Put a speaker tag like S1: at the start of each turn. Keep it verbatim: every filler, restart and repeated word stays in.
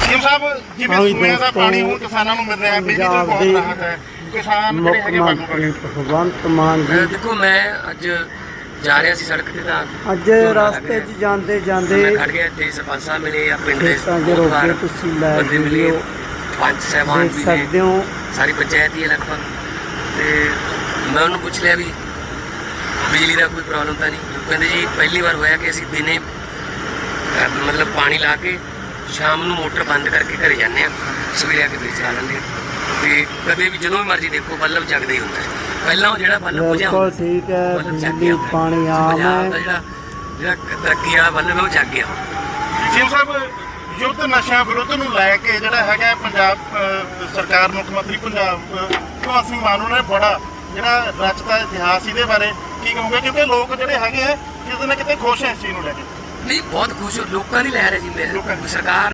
S1: CM ਸਾਹਿਬ ਜਿਵੇਂ ਸੂਏ ਦਾ ਪਾਣੀ ਹੁਣ ਕਿਸਾਨਾਂ ਨੂੰ ਮਿਲ ਰਿਹਾ, ਬਿਜਲੀ ਤੋਂ ਬਹੁਤ ਰਾਹਤ ਹੈ, ਕਿਸਾਨ ਜਿਹੜੇ ਹੈਗੇ
S2: ਮੁੱਖ ਮੰਤਰੀ ਭਗਵੰਤ ਮਾਨ ਜੀ
S3: ਦੇਖੋ ਮੈਂ ਅੱਜ ਜਾ ਰਿਹਾ ਸੀ ਸੜਕ ਤੇ ਤਾਂ
S2: ਅੱਜ ਰਸਤੇ 'ਚ ਜਾਂਦੇ ਜਾਂਦੇ
S3: ਮੈਂ ਖੜ ਗਿਆ ਤੇ ਸਰਪੰਚ ਸਾਹਿਬ ਮਿਲੇ ਆ ਪਿੰਡ ਦੇ
S2: ਖੇਤਾਂ 'ਚ ਰੋਕੇ ਤੁਸੀਂ ਲੈ
S3: ਬੰਦੇ ਮਿਲੇ,
S2: ਵੀਡੀਓ
S3: ਪੰਜ ਸਹਿਬਾਨ
S2: ਦੇਖ
S3: ਵੀ
S2: ਸਕਦੇ
S3: ਨੇ,
S2: ਹੋ।
S3: ਸਾਰੀ ਪੰਚਾਇਤ ਹੀ ਹੈ ਲਗਭਗ। ਤੇ ਮੈਂ ਉਹਨੂੰ ਪੁੱਛ ਲਿਆ ਵੀ ਬਿਜਲੀ ਦਾ ਕੋਈ ਪ੍ਰੋਬਲਮ ਤਾਂ ਨਹੀਂ। ਉਹ ਕਹਿੰਦੇ ਜੀ ਪਹਿਲੀ ਵਾਰ ਹੋਇਆ ਕਿ ਅਸੀਂ ਦਿਨੇ ਅਹ, ਮਤਲਬ ਪਾਣੀ ਲਾ ਕੇ ਸ਼ਾਮ ਨੂੰ ਮੋਟਰ ਬੰਦ ਕਰਕੇ ਘਰੇ ਜਾਂਦੇ ਹਾਂ, ਸਵੇਰੇ ਆ ਕੇ ਫਿਰ ਚਲਾ ਲੈਂਦੇ ਹਾਂ। ਤੇ ਕਦੇ ਵੀ ਜਦੋਂ ਵੀ ਮਰਜ਼ੀ ਦੇਖੋ ਬੱਲਬ ਜਗਦਾ ਹੀ ਹੁੰਦਾ ਹੈ। ਪਹਿਲਾਂ ਉਹ ਜਿਹੜਾ ਬੱਲਬ ਬੁਝਿਆ
S2: ਬਿਲਕੁਲ ਠੀਕ ਹੈ,
S3: ਬੱਲਬ ਜਗ
S2: ਬਿਜਲੀ
S3: ਗਿਆ ਹੁੰਦਾ।
S2: ਪਾਣੀ ਆਮ
S3: ਪੰਜਾਬ ਦਾ
S2: ਹੈ।
S3: ਜਿਹੜਾ ਜਿਹੜਾ ਤਰੱਕੀ ਵਾਲਾ ਬੱਲਬ ਹੈ ਉਹ ਜਗ ਗਿਆ।
S1: ਸੀਐਮ ਸਾਹਿਬ ਯੁੱਧ ਨਸ਼ਿਆਂ ਵਿਰੁੱਧ ਨੂੰ ਲੈ ਕੇ ਜਿਹੜਾ ਹੈਗਾ ਪੰਜਾਬ ਅਹ, ਸਰਕਾਰ ਮੁੱਖ ਮੰਤਰੀ ਪੰਜਾਬ ਅਹ, ਭਗਵੰਤ ਸਿੰਘ ਮਾਨ ਨੇ ਬੜਾ ਜਿਹੜਾ ਰਚਦਾ ਇਤਿਹਾਸ ਇਹਦੇ ਬਾਰੇ ਕੀ ਕਹੋਗੇ? ਕਿਉਂਕਿ ਲੋਕ ਜਿਹੜੇ ਹੈਗੇ ਆ ਕਿਤੇ ਨਾ ਕਿਤੇ ਖੁਸ਼ ਹੈ ਇਸ ਚੀਜ਼ ਨੂੰ ਲੈ ਕੇ।
S3: ਨਹੀਂ ਬਹੁਤ ਖੁਸ਼ ਹੋ, ਲੋਕਾਂ ਦੀ ਲਹਿਰ ਹੈ ਜੀ। ਮੈਂ
S1: ਲੋਕਾਂ ਦੀ।
S3: ਸਰਕਾਰ